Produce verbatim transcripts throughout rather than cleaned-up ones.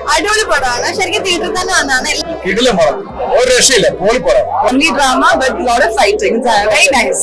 അടിപൊളി പടമാണ്. ശരിക്കും തിയേറ്ററിൽ തന്നെ വന്നാണ്. കിടിലം പടം, ഒരു രക്ഷയില്ല, പൊളി പടം. Only drama but lot of fighting. Very nice.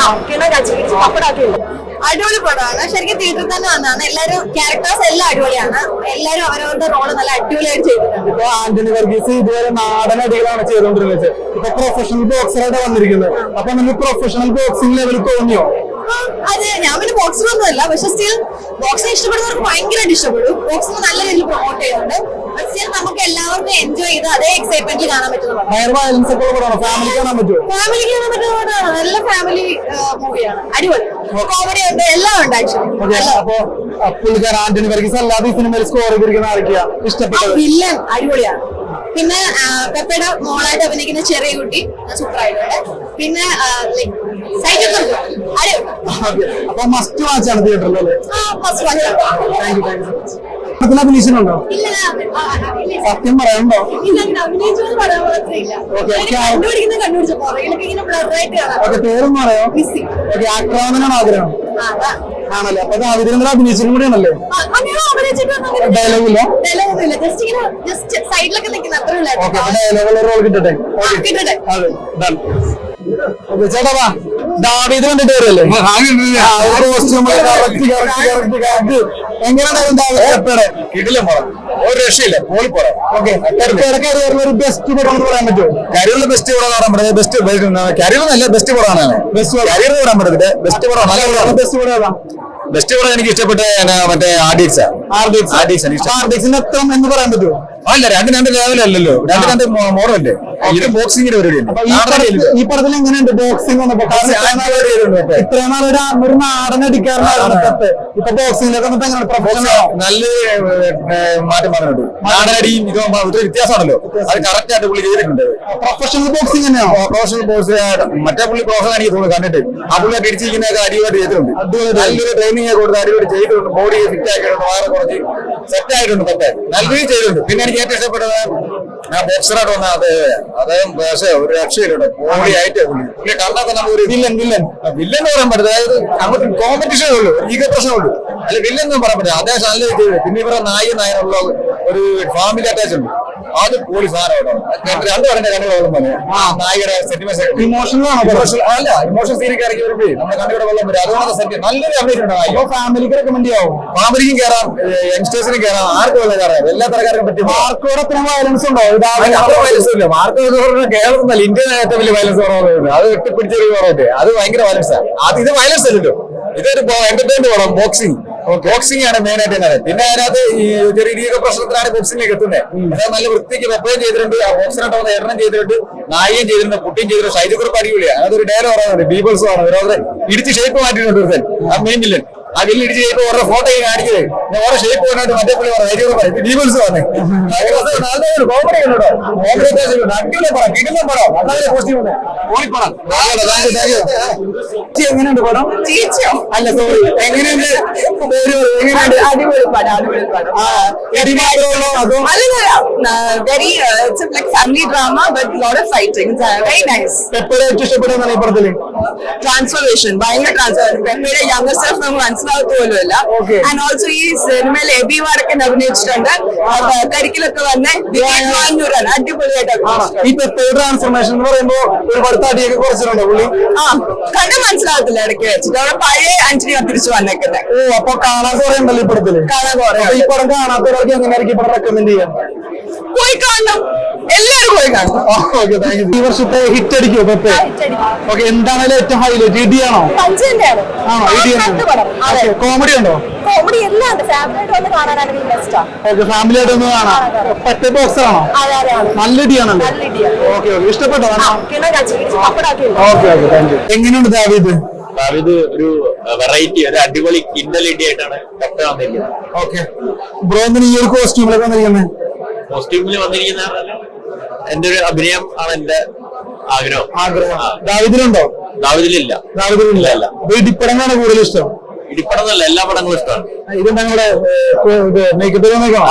അടിപൊളി പടമാണ്. ശരിക്കും തിയേറ്ററിൽ തന്നെ വന്നാണ്. എല്ലാരും ക്യാരക്ടേഴ്സ് എല്ലാം അടിപൊളിയാണ്. എല്ലാരും അവരവരുടെ റോള് നല്ല അടിപൊളിയായിട്ട് ചെയ്തിട്ടുണ്ട്. ഇപ്പൊ ആന്റണി വർഗീസ് ഇതുവരെ നാടൻ അടികളാണ് ചെയ്തുകൊണ്ടിരുന്നത്. ഇപ്പൊ പ്രൊഫഷണൽ ബോക്സറായിട്ട് വന്നിരിക്കുന്നത്. അപ്പൊ നമുക്ക് പ്രൊഫഷണൽ ബോക്സിംഗ് ലെവൽ തോന്നിയോ? അതെ, ഞാൻ പിന്നെ ബോക്സിംഗ് ഒന്നുമല്ല, പക്ഷെ സ്റ്റിൽ ബോക്സിംഗ് ഇഷ്ടപ്പെടുന്നവർക്ക് ഭയങ്കരമായിട്ട് ഇഷ്ടപ്പെടും. ബോക്സിംഗ് നല്ല രീതിയിൽ പ്രൊമോട്ട് ചെയ്യുന്നുണ്ട്. സ്റ്റിൽ നമുക്ക് എല്ലാവർക്കും എൻജോയ് ചെയ്ത് അതേ എക്സൈറ്റ്മെന്റിൽ കാണാൻ പറ്റുന്ന വയലൻസ് ഒക്കെ പടമാണോ? ഫാമിലി കാണാൻ പറ്റുമോ? ഫാമിലിക്ക് കാണാൻ പറ്റുന്ന പടമാണ്. നല്ല ഫാമിലി മൂവിയാണ്. അടിപൊളി കോമഡി ഉണ്ട്, എല്ലാം ഉണ്ട് ആക്ച്വലി. അപ്പൊ പുള്ളിക്കാരൻ ആന്റണി വർഗീസ് അല്ലാതെ ഈ സിനിമയിൽ സ്കോർ ചെയ്തിരിക്കുന്ന ആരൊക്കെയാ ഇഷ്ടപ്പെട്ടത്? വില്ലൻ അടിപൊളിയാണ്. പിന്നെ പെപ്പയുടെ മോളായിട്ട് അഭിനയിക്കുന്ന ചെറിയ കുട്ടി സൂപ്പർ ആയിട്ടുണ്ട്. പിന്നെ അപ്പൊ മസ്റ്റ് വാച്ച് ആണ് തിയേറ്ററിൽ. അഭിനയിച്ചിട്ടുണ്ടോ? സത്യം പറയാനുണ്ടോ? പേരൊന്നും പറയായോ? ആക്രമണനാണ് ആഗ്രഹം ആണല്ലേ? അപ്പൊ അതിന് അഭിനയിച്ചിട്ടും കൂടിയാണല്ലേ? ഡയലോഗില്ല, ഡയലോഗുള്ള റോൾ കിട്ടട്ടെ. ചേട്ടാ വാ, ദാവീദ് കണ്ടിട്ട് വരല്ലേ? എങ്ങനെയാണ് കിടിലം പടം, ഒരു രക്ഷയില്ല, പൊളി പടം. ഒരു ബെസ്റ്റ് പടം എന്ന് പറയാൻ പറ്റുമോ? കരിയറിലെ ബെസ്റ്റ് പടം പറയാൻ പറ്റുന്നത് ബെസ്റ്റ് കരിയറിനല്ല, ബെസ്റ്റ് പടമാണ്. ബെസ്റ്റ് കരിയർ പറയാൻ പറ്റുന്നത് ബെസ്റ്റ് പടം. നല്ല ബെസ്റ്റ് പടം ഏതാ? ബെസ്റ്റ് പടം എനിക്ക് ഇഷ്ടപ്പെട്ട മറ്റേ ആർഡിക്സ്. ആർഡിക്സിന് എത്ര എന്ന് പറയാൻ പറ്റുമോ? അല്ല, രണ്ട് രണ്ട് ലെവലല്ലോ, രണ്ട് രണ്ട് മോഡലല്ലേ. ഇത് ബോക്സിംഗിന്റെ പരിപാടിയാണ്. ഈ പടത്തിൽ എങ്ങനെയുണ്ട് ബോക്സിംഗ്? ഇത്രയും നാളൊരു ഒരു നാടൻ അടിക്കാറുണ്ടായിരുന്നു. ഇപ്പൊ ബോക്സിംഗിലൊക്കെ നല്ല മാറ്റം വന്നിട്ടുണ്ട്. നാടനടിയും ഇത് വ്യത്യാസമാണല്ലോ, അത് കറക്റ്റ് ആയിട്ട് പുള്ളി ചെയ്തിട്ടുണ്ട്. പ്രൊഫഷണൽ ബോക്സിംഗ് തന്നെയാണോ? പ്രൊഫഷണൽ ബോക്സ് മറ്റേ പുള്ളി പ്രൊഫഷണൽ എനിക്ക് തോന്നുന്നു കണ്ടിട്ട്. ആ പുള്ളി അടിച്ചിരിക്കുന്നതൊക്കെ അടിപൊളി ചെയ്തിട്ടുണ്ട്. നല്ലൊരു ട്രെയിനിങ് കൊടുത്ത് അടിപൊളി ചെയ്തിട്ടുണ്ട്. ബോഡി ഫിറ്റ് ആക്കിയിട്ടുണ്ട്, വേറെ കുറച്ച് സെറ്റ് ആയിട്ടുണ്ട്. പറ്റേ നല്ല രീതിയിൽ ചെയ്തിട്ടുണ്ട്. പിന്നെ എനിക്ക് ഏറ്റവും ഇഷ്ടപ്പെട്ടത് ആ ബോക്സറായിട്ട് വന്ന അത് അദ്ദേഹം പക്ഷേ ഒരു രക്ഷയിലുണ്ട്. ബോഡി ആയിട്ട് പുള്ളി പുള്ളി കണ്ടാൽ തന്നെ ഒരു വില്ലൻ വില്ലൻ വില്ലൻ എന്ന് പറയാൻ പറ്റില്ല. അതായത് അങ്ങോട്ട് കോമ്പറ്റീഷനേ ഉള്ളൂ, ഈഗോ പ്രശ്നമുള്ളൂ. അല്ല, വില്ലൻ എന്ന് പറയാൻ പറ്റില്ല. അദ്ദേഹം നല്ല ചെയ്ത്. പിന്നെ ഇവരെ നായി നായനുള്ള ഒരു ഫാമിലി അറ്റാച്ച് ഉണ്ട്. അത് പോളി സാധനം രണ്ടു പറഞ്ഞ കണ്ണുകളും പറയാം. ആ നായികയുടെ സെന്റിമെന്റ് ഇമോഷണൽ അല്ല, ഇമോഷണൽ സീനൊക്കെ ഇറക്കി വരുമ്പോ നമ്മുടെ കണ്ണുകൂടെ വെള്ളം വരും. അതുകൊണ്ട് സെന്റ് നല്ലൊരു അഭിനയിച്ചിട്ടുണ്ട്. ഫാമിലിക്ക് റെക്കമെൻഡ് ചെയ്യാവും. ഫാമിലിക്കും കയറാം, യങ്സ്റ്റേഴ്സിനും കയറാം, ആർക്കും ഉള്ള കയറാം. എല്ലാ തരക്കാർക്കും പറ്റും. മാർക്കോടെ അത്ര വയലൻസ് ഉണ്ടോ? അത്ര വയലൻസ് ഇല്ല. മാർക്ക് കേരളത്തിൽ ഇന്ത്യൻ ഏറ്റവും വലിയ വയലൻസ് കുറവുണ്ട്. അത് വെട്ടിപ്പിടിച്ചൊരു കുറവുണ്ട്. അത് ഭയങ്കര വയലൻസാണ്. അത് ഇത് വയലൻസ് അല്ലല്ലോ, ഇതൊരു എന്റർടൈൻമെന്റ് പടം. ബോക്സിംഗ് ബോക്സിംഗ് ആണ് മെയിൻ ആയിട്ട് തന്നെ. പിന്നെ അതിനകത്ത് ഈ ചെറിയ രീതി പ്രശ്നത്തിലാണ് ബോക്സിംഗിലേക്ക് എത്തുന്നത്. അത് നല്ല വൃത്തിക്ക് വെപ്പയും ചെയ്തിട്ടുണ്ട്. ആ ബോക്സിനായിട്ട് വന്ന എണ്ണം ചെയ്തിട്ടുണ്ട്, നായികയും ചെയ്തിട്ടുണ്ട്, കുട്ടിയും ചെയ്തിട്ടുണ്ട്. ഷൈജു കുറിപ്പ് അടിപൊളിയാണ്. അതൊരു ഡയലോഗ് പറയുന്നുണ്ട്, ബീബിൾസും ആണ്. ഓരോ ഇടിച്ച് ഷേപ്പ് മാറ്റിയിട്ടുണ്ട് ഒരുത്തൻ, ആ മെയിൻ വില്ലൻ. ആ വില്ല് ഇടിച്ച് ഷേപ്പ് ഓരോ ഫോട്ടോ കാണിക്കുന്നത് ഓരോ ഷേപ്പ് പോയിട്ട് മറ്റേ പുള്ളി പറഞ്ഞു ബീബിൾസ് വന്നേ. നല്ലൊരു കോമഡി ഉണ്ടോ? കോമഡി അടിപൊളി പടം, കിടിലം പടം, വളരെ പോസിറ്റീവ് ഉണ്ട്. ഓളിപ്പടം എങ്ങനെയുണ്ട് പടം? അല്ല സോറി, എങ്ങനെയുണ്ട്? എങ്ങനെയുണ്ട്? അടിപൊളി പടം, അടിപൊളി പടം. എടി മാത്രമല്ലോ അതോ? Very like family drama but lot of fighting. Very nice. പെപ്പയുടെ ഏറ്റവും ഇഷ്ടപ്പെടുന്ന ഈ പടത്തില് ട്രാൻസ്ഫോർമേഷൻ, ഭയങ്കര ട്രാൻസ്ഫോർമേഷൻ. പെപ്പയുടെ യങ്ങർ സെൽഫ് നമുക്ക് മനസ്സിലാകത്ത് പോലുമല്ല. ആൻഡ് ഓൾസോ ഈ സിനിമയിൽ എബി വാടക്കൻ അഭിനയിച്ചിട്ടുണ്ട്. കരിക്കിലൊക്കെ വന്ന് വാഞ്ഞൂരാണ് അടിപൊളിയായിട്ട്. ഈ പെപ്പയുടെ ട്രാൻസ്ഫോർമേഷൻ എന്ന് പറയുമ്പോ ഒരുപാട് തടിയൊക്കെ കുറച്ചിട്ടുണ്ടോ പുള്ളി? ആ, കണ്ടു മനസ്സിലാകത്തില്ല ഇടയ്ക്ക് വെച്ചിട്ട്. അവിടെ പഴയ ആന്റണിയാ തിരിച്ചു വന്നേക്കുന്നത്. ഓ, അപ്പൊ കാണാൻ കുറെ ഉണ്ടല്ലോ ഈ പടത്തില്. കാണാൻ കുറെ. ഈ പടം കാണാത്തവർക്ക് എങ്ങനെയായിരിക്കും പടം റെക്കമെൻഡ് ചെയ്യാൻ? പോയി കാണണം, എല്ലാവരും പോയി കാണണം. Okay, thank you. ഈ വർഷത്തെ ഹിറ്റ് അടിക്കുമോ പെപ്പ? ഓക്കെ, എന്താണ് ഏറ്റവും ഹൈലൈറ്റ്? ഇടിയാണോ? ആണോ? ഇടിയാണ്. കോമഡി ഉണ്ടോ? കോമഡി എല്ലാം ഉണ്ട്. ഫാമിലി ആയിട്ട് കാണാനാണെങ്കിൽ ബെസ്റ്റാ. ഓക്കെ, ഫാമിലി ആയിട്ട് ഒന്ന് കാണാം. പെപ്പ ബോക്സർ ആണോ? നല്ല ഇടിയാണല്ലോ. ഓക്കെ ഓക്കെ, ഇഷ്ടപ്പെട്ടോ? Okay okay, thank you. എങ്ങനെയുണ്ട് ദാവീദ്? ദാവീദ് ഒരു വെറൈറ്റി, ഒരു അടിപൊളി കിൻഡൽ ഇടി ആയിട്ടാണ് പെപ്പ വന്നിരിക്കുന്നത്. ഓക്കെ ബ്രോ, എന്തിനാ ഈ ഒരു കോസ്റ്റ്യൂമിലൊക്കെ വന്നിരിക്കുന്നത്? കോസ്റ്റ്യൂമിൽ വന്നിരിക്കുന്ന എന്റെ ഒരു അഭിനയം ആണ് എന്റെ ആഗ്രഹം. ആഗ്രഹം ദാവീദിലുണ്ടോ? ദാവീദിലില്ല. ദാവീദിലില്ല. അല്ല, ഇടിപ്പടങ്ങളാണ് കൂടുതൽ ഇഷ്ടം? ഇടിപ്പടന്നല്ല, എല്ലാ പടങ്ങളും ഇഷ്ടമാണ്. ഇതെന്താ നിങ്ങളുടെ മേക്കപ്പ്?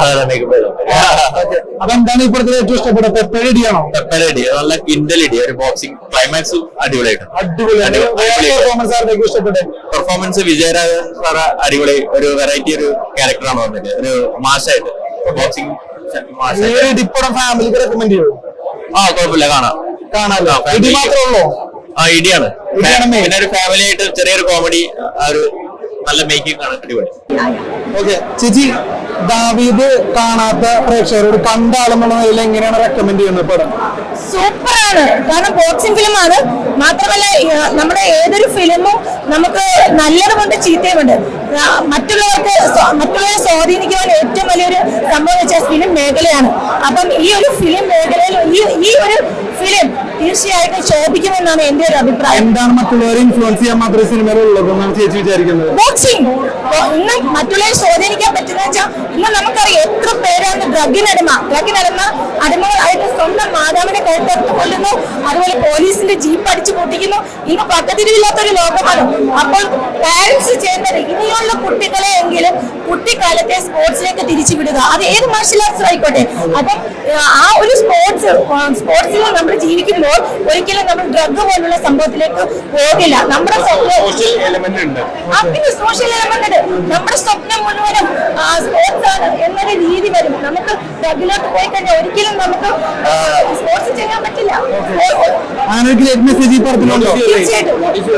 അതെന്താണ് ഈ പടത്തിൽ ഏറ്റവും ഇഷ്ടപ്പെട്ട? പെപ്പയുടെ ഇടിയാണോ? പെപ്പയുടെ ഇടി നല്ല കിൻഡൽ ഇടി, ഒരു ബോക്സിംഗ് ക്ലൈമാക്സ് അടിപൊളിയായിട്ട്. അടിപൊളിയാണ്. പെർഫോമൻസ് ആർക്കൊക്കെ ഇഷ്ടപ്പെട്ടെ? പെർഫോമൻസ് വിജയരാഘവൻ സാറ് അടിപൊളി, ഒരു വെറൈറ്റി ഒരു ക്യാരക്ടറാണ് വന്നത്. ഒരു മാസായിട്ട് ബോക്സിംഗ് ഇപ്പോഴും ഫാമിലിക്ക് റെക്കമെൻഡ് ചെയ്യോ? ആ കുഴപ്പമില്ല, കാണാം കാണാലോ. ഇടി മാത്രമേ ഉള്ളൂ? ആ ഇടിയാണ്. ഇടിയാണ് main. പിന്നെ ഒരു ഫാമിലി ആയിട്ട് ചെറിയൊരു കോമഡി, ആ ഒരു നല്ല മേക്കിംഗ് ആണ്, അടിപൊളി. ഓക്കെ ചേച്ചി, ദാവീദ് കാണാത്ത പ്രേക്ഷകരോട് കണ്ട ആളെന്നുള്ള നിലയിൽ എങ്ങനെയാണ് റെക്കമെൻഡ് ചെയ്യുന്നത് പടം? സൂപ്പറാണ്. കാരണം ബോക്സിംഗ് ഫിലിമാണ്. മാത്രമല്ല ഏഹ്, നമ്മുടെ ഏതൊരു ഫിലിമും നമുക്ക് നല്ലതുമുണ്ട് ചീത്തയുമുണ്ട്. ആ, മറ്റുള്ളവർക്ക് സ്വ- മറ്റുള്ളവരെ സ്വാധീനിക്കുവാൻ ഏറ്റവും വലിയൊരു സംഭവം വെച്ചാൽ ഫിലിം മേഖലയാണ്. അപ്പം ഈ ഒരു ഫിലിം മേഖലയിൽ ഈ ഈ ഒരു ഫിലിം തീർച്ചയായിട്ടും ശോഭിക്കുമെന്നാണ് എന്റെ ഒരു അഭിപ്രായം. എന്താണ് മറ്റുള്ളവരെ ഇൻഫ്ലുവൻസ് ചെയ്യാൻ മാത്രമേ സിനിമയിലുള്ളത് എന്നാണ് ചേച്ചി വിചാരിക്കുന്നത്? ബോക്സിംഗ് ഇന്ന് മറ്റുള്ളവരെ സ്വാധീനിക്കാൻ പറ്റുന്ന വെച്ചാൽ ഇന്ന് നമുക്കറിയാം എത്ര പേരാണ് ഡ്രഗിനടിമ ഡ്രഗിനടിമ അടിമകളായിട്ട് സ്വന്തം മാതാവിനെ കഴുത്തെടുത്ത് കൊല്ലുന്നു, അതുപോലെ പോലീസിന്റെ ജീപ്പ് അടിച്ചു പൊട്ടിക്കുന്നു. ഇന്ന് പക്കത്തിരിവില്ലാത്തൊരു ലോകമാണ്. അപ്പോൾ പാരന്റ്സ് ചെയ്യേണ്ടത് ഇനിയുള്ള കുട്ടികളെ എങ്കിലും കുട്ടിക്കാലത്തെ സ്പോർട്സിലേക്ക് തിരിച്ചു വിടുക. അത് ഏത് മാർഷൽ ആർട്സ് ആയിക്കോട്ടെ. അപ്പം ആ ഒരു സ്പോർട്സ് സ്പോർട്സിൽ നമ്മൾ ജീവിക്കുമ്പോൾ ഒരിക്കലും നമ്മൾ ഡ്രഗ് പോലുള്ള സംഭവത്തിലേക്ക് പോകില്ല. നമ്മുടെ സോഷ്യൽ എലമെന്റ് ഉണ്ട്. ആ, പിന്നെ സോഷ്യൽ എലമെന്റ് നമ്മുടെ സ്വപ്നം മുഴുവനും സ്പോർട്സ് ആണ് എന്നൊരു രീതി വരും. നമുക്ക് ഡ്രഗിലോട്ട് പോയി കഴിഞ്ഞാൽ ഒരിക്കലും നമുക്ക് സ്പോർട്സ് ചെയ്യാൻ പറ്റില്ല. അങ്ങനെ ഒരു ഗ്രേറ്റ് മെസ്സേജ് ഈ പടത്തിലുണ്ടോ? തീർച്ചയായിട്ടും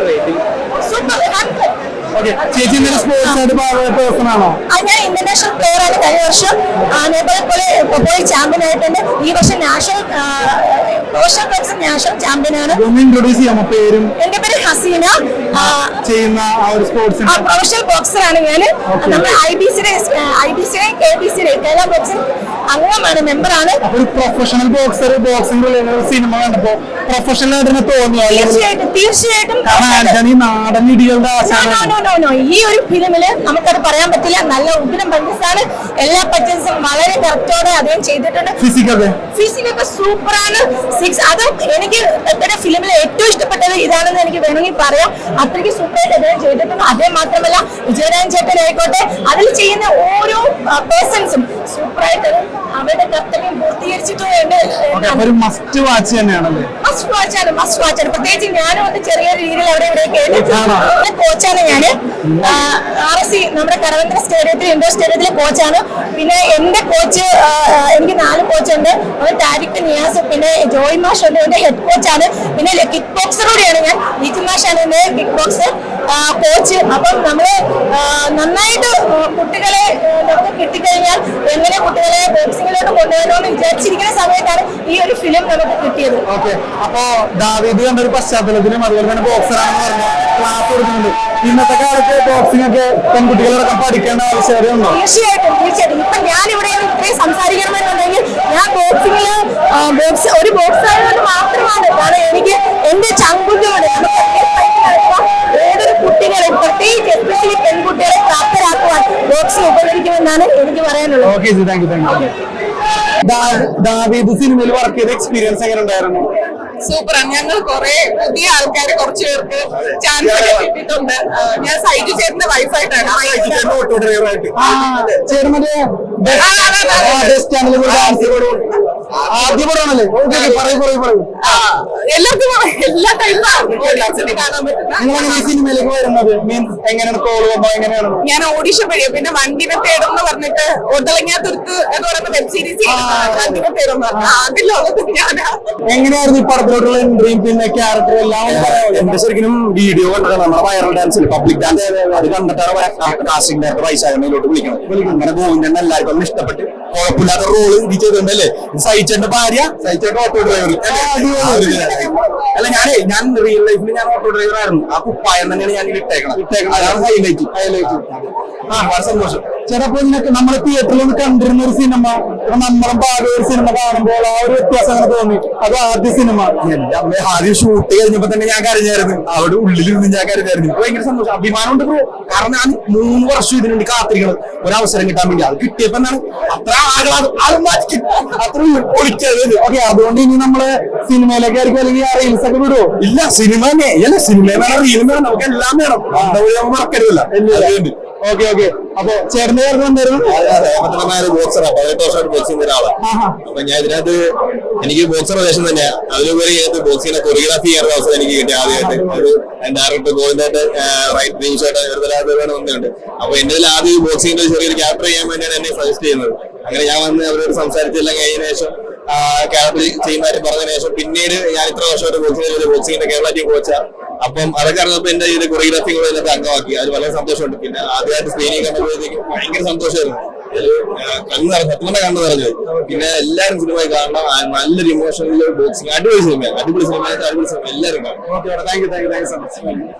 സൂപ്പർ. ഓക്കെ ചേച്ചി ഇന്നലെ സ്പോർട്സ് ആയിട്ട് ഭാഗമായ പേഴ്സൺ ആണോ? ആ, ഞാൻ ഇന്റർനാഷണൽ പ്ലെയർ ആണ്. കഴിഞ്ഞ വർഷം നേപ്പാൾ പോലെ പോയി ചാമ്പ്യൻ ആയിട്ടുണ്ട്. ഈ വർഷം national professional boxing national champion ആണ്. ഒന്ന് ഇൻട്രൊഡ്യൂസ് ചെയ്യാമോ പേരും എന്റെ പേര് ഹസീന. ചെയ്യുന്ന ആ ഒരു സ്പോർട്സ്? ആ, പ്രൊഫഷണൽ ബോക്സർ ആണ് ഞാൻ. നമ്മുടെ ഐ ബി സിയുടെ ഐ ബി സിയുടെ കെ ബി സിയുടെ കേരള ബോക്സിംഗ് അംഗമാണ്, മെമ്പറാണ്. ഒരു പ്രൊഫഷണൽ ബോക്സർ ബോക്സിംഗ് സിനിമ കണ്ടപ്പോ പ്രൊഫഷണൽ ആയിട്ട് തന്നെ തോന്നിയോ? തീർച്ചയായിട്ടും തീർച്ചയായിട്ടും കാരണം ആർക്കാണ് ഈ നാടൻ ഇടികളുടെ ആശാന. No, no, no, no. ഈ ഒരു ഫിലിമില് നമുക്കത് പറയാൻ പറ്റില്ല. നല്ല ഉഗ്രം പഞ്ചസാണ്. എല്ലാ പഞ്ചസും വളരെ കറക്റ്റോടെ അദ്ദേഹം ചെയ്തിട്ടുണ്ട്. ഫിസിക്കൊക്കെ ഫിസിക്കൊക്കെ സൂപ്പറാണ്. സിക്സ് അത് എനിക്ക് ഇത്തരം ഫിലിമിൽ ഏറ്റവും ഇഷ്ടപ്പെട്ടത് ഇതാണെന്ന് എനിക്ക് വേണമെങ്കിൽ പറയാം. അത്രയ്ക്ക് സൂപ്പറായിട്ട് അദ്ദേഹം ചെയ്തിട്ടുണ്ട്. അതേ മാത്രമല്ല വിജയരാജൻ ചേട്ടൻ ആയിക്കോട്ടെ, അതിൽ ചെയ്യുന്ന ഓരോ പേഴ്സൺസും സൂപ്പറായിട്ട് അവരുടെ കർത്തവ്യം പൂർത്തീകരിച്ചിട്ടുണ്ട്. ഒരു മസ്റ്റ് വാച്ച് തന്നെയാണല്ലേ? മസ്റ്റ് വാച്ചാണ് മസ്റ്റ് വാച്ചാണ്. പ്രത്യേകിച്ച് ഞാനും ഒന്ന് ചെറിയ രീതിയിൽ അവിടെ ഇവിടെ കേട്ടിട്ടുണ്ട്. കോച്ചാണ് ഞാന്. ആർ എസ് സി നമ്മുടെ കരവന്ത്ര സ്റ്റേഡിയത്തിൽ ഇൻഡോർ സ്റ്റേഡിയത്തിലെ കോച്ചാണ്. പിന്നെ എന്റെ കോച്ച് എനിക്ക് നാല് കോച്ചുണ്ട്. അത് താരിഖ് നിയാസ്, പിന്നെ ജോയ് മാഷ് ഉണ്ട്, എന്റെ ഹെഡ് കോച്ചാണ്. പിന്നെ കിക്ക് ബോക്സർ കൂടിയാണ് ഞാൻ. ലിഖു മാഷാണ് എന്റെ കിക്ക് ബോക്സർ കോച്ച്. അപ്പം നമ്മള് നന്നായിട്ട് കുട്ടികളെ നമുക്ക് കിട്ടിക്കഴിഞ്ഞാൽ എങ്ങനെ കുട്ടികളെ ബോക്സിങ്ങിലോട്ട് കൊണ്ടുവരണമെന്ന് വിചാരിച്ചിരിക്കുന്ന സമയത്താണ് ഈ ഒരു ഫിലിം നമുക്ക് കിട്ടിയത്. ഓക്കെ, അപ്പോ ദാവീദ് കണ്ട ഒരു പശ്ചാത്തലത്തിലും അതുപോലെ തന്നെ ബോക്സർ ആണെന്ന് പറഞ്ഞ ക്ലാസ് കൊടുക്കുന്നുണ്ട്. ഇന്നത്തെ കാലത്ത് ബോക്സിംഗ് ഒക്കെ പെൺകുട്ടികളടക്കം പഠിക്കേണ്ട ആവശ്യകതയുണ്ടോ? തീർച്ചയായിട്ടും തീർച്ചയായിട്ടും. ഇപ്പൊ ഞാൻ ഇവിടെ ഇത്രയും സംസാരിക്കണമെന്നുണ്ടെങ്കിൽ ഞാൻ ബോക്സിംഗില് ബോക്സ് ഒരു ബോക്സർ ആയതുകൊണ്ട് മാത്രമാണ്. കാരണം എനിക്ക് എന്റെ ചങ്കുറ്റുണ്ട്. ഏതൊരു കുട്ടികളെ പ്രത്യേകിച്ച് എസ്പെഷ്യലി പെൺകുട്ടികളെ പ്രാപ്തരാക്കുവാൻ ബോക്സിംഗ് ഉപകരിക്കുമെന്നാണ് എനിക്ക് പറയാനുള്ളത്. Okay ji, thank you thank you. Daveed സിനിമയിൽ വർക്ക് ചെയ്ത എക്സ്പീരിയൻസ് എങ്ങനെ ഉണ്ടായിരുന്നു? സൂപ്പറാണ്. ഞങ്ങൾ കുറെ പുതിയ ആൾക്കാർ കുറച്ചു പേർക്ക് ചാൻസ് ഒക്കെ കിട്ടിയിട്ടുണ്ട്. ഞാൻ സൈജു ചേട്ടന്റെ വൈഫായിട്ടാണ്. ഓട്ടോ ഡ്രൈവറായിട്ട് ചേട്ടൻ മറ്റേ ആദ്യ പടമാണല്ലേ? ഓക്കെ, പറയൂ പറയൂ പറയൂ. എല്ലാവർക്കും എല്ലാ ടൈപ്പും കാണാൻ പറ്റുന്ന. നിങ്ങളെങ്ങനെ ഈ സിനിമയിലേക്ക് വരുന്നത്? മീൻസ് എങ്ങനെയാണ് കോള് വന്നോ? എങ്ങനെയാണ്? ഞാൻ ഓഡിഷൻ വഴിയോ പിന്നെ വണ്ടിനെ തേടും എന്ന് പറഞ്ഞിട്ട് ഒട്ടളങ്ങാത്തുരുത്ത് എന്ന് പറയുന്ന വെബ് സീരീസ് വണ്ടിനെ തേടും പറഞ്ഞു. അതിലുള്ളത് ഞാനാ. എങ്ങനെയായിരുന്നു ഈ പടത്തിലോട്ടുള്ള എൻട്രിയും പിന്നെ ക്യാരക്ടറും എല്ലാം? എന്റെ ശരിക്കും വീഡിയോ കണ്ടിട്ടാണ് നമ്മുടെ വൈറൽ ഡാൻസിൽ പബ്ലിക് ഡാൻസ് അത് കണ്ടിട്ടാണ് കാസ്റ്റിംഗ് ഡയറക്ടർ വൈശാഖനയിലോട്ട് വിളിക്കണം. അങ്ങനെ ഗോവിന്ദൻ എല്ലാവർക്കും ഒന്ന് ഇഷ്ടപ്പെട്ട് കുഴപ്പമില്ലാത്ത റോള് ഇത് ചെയ്തിട്ടുണ്ടല്ലേ. സഹിച്ചേന്റെ ഭാര്യ സഹിച്ചേട്ട ഓട്ടോ ഡ്രൈവർ അല്ല. ഞാനേ ഞാൻ റിയൽ ലൈഫിൽ ഞാൻ ഓട്ടോ ഡ്രൈവർ ആയിരുന്നു. ആ കുപ്പായം തന്നെയാണ് ഞാൻ ഇട്ടേക്കണം ഇട്ടേക്കണം അതാണ് ഹൈലൈറ്റ് ഹൈലൈറ്റ്. ആ വളരെ സന്തോഷം. ചിലപ്പോ ഇതിനൊക്കെ നമ്മള് തിയേറ്ററിൽ ഒന്ന് കണ്ടിരുന്ന ഒരു സിനിമ നമ്മളും ഭാഗം ഒരു സിനിമ കാണുമ്പോൾ ആ ഒരു വ്യത്യാസം അങ്ങനെ തോന്നി. അത് ആദ്യ സിനിമ എന്റെ അമ്മ ആദ്യം ഷൂട്ട് കഴിഞ്ഞപ്പോ തന്നെ ഞാൻ കരഞ്ഞായിരുന്നു. അവിടെ ഉള്ളിലിരുന്ന് ഞാൻ കരഞ്ഞായിരുന്നു. ഭയങ്കര സന്തോഷം, അഭിമാനമുണ്ട് ബ്രോ. കാരണം ഞാൻ മൂന്ന് വർഷം ഇതിനു വേണ്ടി കാത്തിരിക്കണം ഒരവസരം കിട്ടാൻ വേണ്ടി. അത് കിട്ടിയപ്പോ എന്താണ് അത്ര ആകളാണ് അത്ര പൊളിച്ചത്. ഓക്കെ, അതുകൊണ്ട് ഇനി നമ്മള് സിനിമയിലേക്ക് ആയിരിക്കും അല്ലെങ്കിൽ ആ റീൽസ് ഒക്കെ വിടുവോ? ഇല്ല, സിനിമ തന്നെ അല്ല. സിനിമ വേണം, റീലും വേണം, നമുക്ക് എല്ലാം വേണം. നമ്മൾ മറക്കരുതല്ല. Okay okay. അപ്പൊ ചേട്ടന്റെ പേര് എന്തായിരുന്നു? ബോക്സറാ, പതിനെട്ട് വർഷമായിട്ട് ബോക്സിംഗ് ഒരാളാണ്. അപ്പൊ ഞാൻ ഇതിനകത്ത് എനിക്ക് ബോക്സർ വേഷം തന്നെയാണ്. അതിലുപരി ബോക്സിങ്ങിനെ കൊറിയോഗ്രാഫി ചെയ്യാനുള്ള അവസരം എനിക്ക് കിട്ടി ആദ്യമായിട്ട്. ഒരു ഡയറക്ടർ ഗോവിന്ദായിട്ട് റൈറ്റ് ഡ്രീംസായിട്ട് ഒരു തലാപരമാണ് വന്നിട്ടുണ്ട്. അപ്പൊ എന്റെ ആദ്യം ബോക്സിംഗിന്റെ ചെറിയൊരു ക്യാരക്ടർ ചെയ്യാൻ വേണ്ടിയാണ് എന്നെ സജസ്റ്റ് ചെയ്യുന്നത്. അങ്ങനെ ഞാൻ വന്ന് അവരോട് സംസാരിച്ചെല്ലാം കഴിഞ്ഞ ശേഷം ക്യാരക്ടർ ചെയ്യുന്നതായിട്ട് പറഞ്ഞതിന് ശേഷം പിന്നീട് ഞാൻ ഇത്ര വർഷമായിട്ട് ബോക്സിംഗ് ബോക്സിംഗിന്റെ കേരള ടീം കോച്ചാണ്. അപ്പം അതൊക്കെ അറിഞ്ഞപ്പോൾ എന്റെ ഇത് കൊറിയോഗ്രാഫി കൂടെ ഇതിനകത്ത് അംഗമാക്കി. അത് വളരെ സന്തോഷമുണ്ട്. പിന്നെ ആദ്യമായിട്ട് സ്ക്രീനിൽ കണ്ടപ്പോഴത്തേക്കും ഭയങ്കര സന്തോഷമായിരുന്നു. കണ്ണു നിറഞ്ഞു, സത്യത്തിന്റെ കണ്ണു നിറഞ്ഞു. പിന്നെ എല്ലാവരും സിനിമ കാണണം. നല്ലൊരു ഇമോഷണൽ ബോക്സിംഗ്, അടിപൊളി സിനിമ, അടിപൊളി സിനിമ, അടിപൊളി സിനിമ എല്ലാവരും കാണും. Thank you thank you thank you so much.